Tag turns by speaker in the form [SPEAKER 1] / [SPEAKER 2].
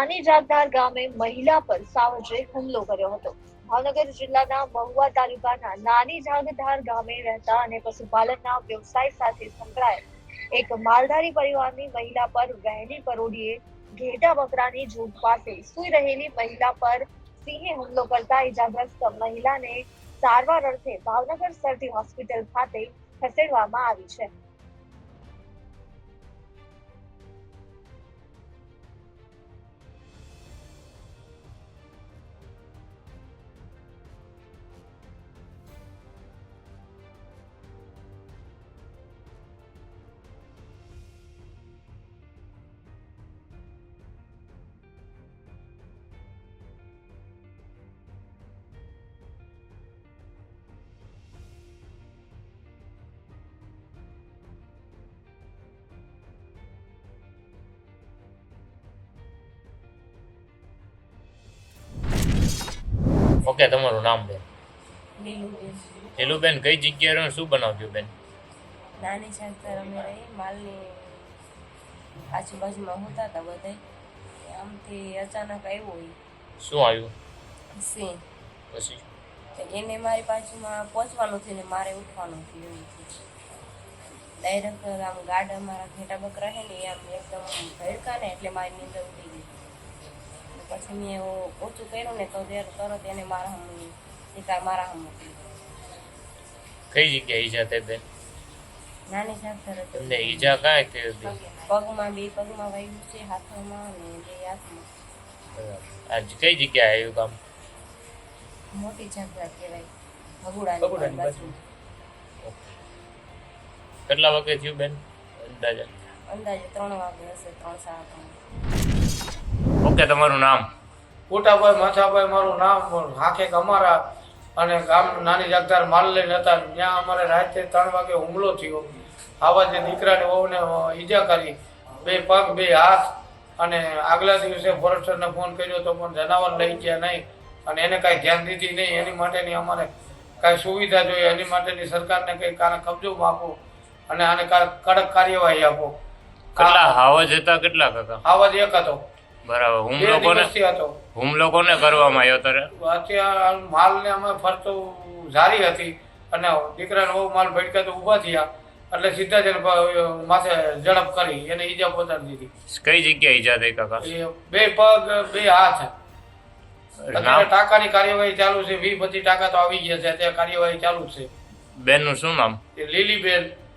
[SPEAKER 1] નાની જાગધાર ગામે મહિલા પર સાવજે હુમલો કર્યો હતો। ભાવનગર જિલ્લાના મહુવા તાલુકાના નાની જાગધાર ગામે રહેતા અને પશુપાલનના વ્યવસાય સાથે સંકળાયેલ એક માલધારી પરિવારની મહિલા પર વહેલી પરોઢીએ ઘેટા બકરાની ઝૂંડ પાસે સૂઈ રહેલી મહિલા પર સિંહે હુમલો કરતા ઈજાગ્રસ્ત મહિલાને સારવાર અર્થે ભાવનગર સરટી હોસ્પિટલ ખાતે ખસેડવામાં આવી છે।
[SPEAKER 2] ઓકે, તમારું નામ બેન?
[SPEAKER 3] લીલુબેન।
[SPEAKER 2] લીલુબેન, કઈ જગ્યાએ રહો, શું બનાવ્યું બેન?
[SPEAKER 3] નાની જાગધાર અમે રહી, માલની આજુબાજુમાં હોતા હતા બધા, આમથી અચાનક આવ્યો હોય
[SPEAKER 2] શું આવ્યું?
[SPEAKER 3] સિંહ।
[SPEAKER 2] પછી
[SPEAKER 3] તો એને મારી બાજુમાં પહોંચવાનું થયું ને મારે ઉઠવાનું થયું એવું થયું। ડાયરેક્ટ આમ ગાર્ડ અમારા ઘેટા બકરા છે ને આમ એકદમ ભડકા ને એટલે મારી નીંદર ઉડી ગઈ। પછી મેં ઓછું કર્યું ને તો તરત એને મારા શિકાર મારા મોકલી।
[SPEAKER 2] કઈ જગ્યાએ ઈજા થઈ બેન?
[SPEAKER 3] નાની જાગધાર હતી।
[SPEAKER 2] તમને ઈજા કાંઈ થઈ હતી?
[SPEAKER 3] પગમાં વાગ્યું છે, હાથમાં ને બે હાથમાં।
[SPEAKER 2] આજ કઈ જગ્યાએ આવ્યું કામ?
[SPEAKER 3] મોટી જાગધાર કહેવાય, ભગુડાની બાજુ।
[SPEAKER 2] કેટલા વાગે થયું બેન અંદાજે?
[SPEAKER 3] અંદાજે 3 વાગે હશે, 3 સાડા 3।
[SPEAKER 2] ઓકે, તમારું નામ?
[SPEAKER 4] કોટાભાઈ માથાભાઈ મારું નામ। હાંખેક અમારા અને ગામ નાની જાગધાર માલ લઈને હતા, ત્યાં અમારે રાત્રે 3 વાગે હુમલો થયો। આવા જે દીકરાની વહુને ઈજા કરી, 2 પગ 2 હાથ, અને આગલા દિવસે ફોરેસ્ટરને ફોન કર્યો તો પણ જનાવર લઈ ગયા નહીં અને એને કાંઈ ધ્યાન દીધી નહીં। એની માટેની અમારે કાંઈ સુવિધા જોઈએ, એની માટેની સરકારને કંઈ કાને કબજો આપો અને આને કડક કાર્યવાહી આપો।
[SPEAKER 2] કેટલા હાવજ હતા? કેટલા કાકા?
[SPEAKER 4] આવાજ એક હતો,
[SPEAKER 2] બરાબર।
[SPEAKER 4] 2 દિવસથી હતો।
[SPEAKER 2] હુમલો કોને કરવામાં આવ્યો તારે?
[SPEAKER 4] અત્યારે માલને અમે ફરતો જારી હતી અને દીકરાને બહુ માલ ભટકા તો ઊભા થયા એટલે સીધા જ એને માથે ઝડપ કરી એને ઈજા પહોંચાડી દીધી।
[SPEAKER 2] કઈ જગ્યાએ ઈજા થઈ કાકા?
[SPEAKER 4] એ 2 પગ 2 હાથ। અત્યારે ટાંકાની કાર્યવાહી ચાલુ છે, 20-25 ટાંકા તો આવી ગયા છે, અત્યારે કાર્યવાહી ચાલુ છે।
[SPEAKER 2] બેનનું શું નામ?
[SPEAKER 4] લીલીબેન।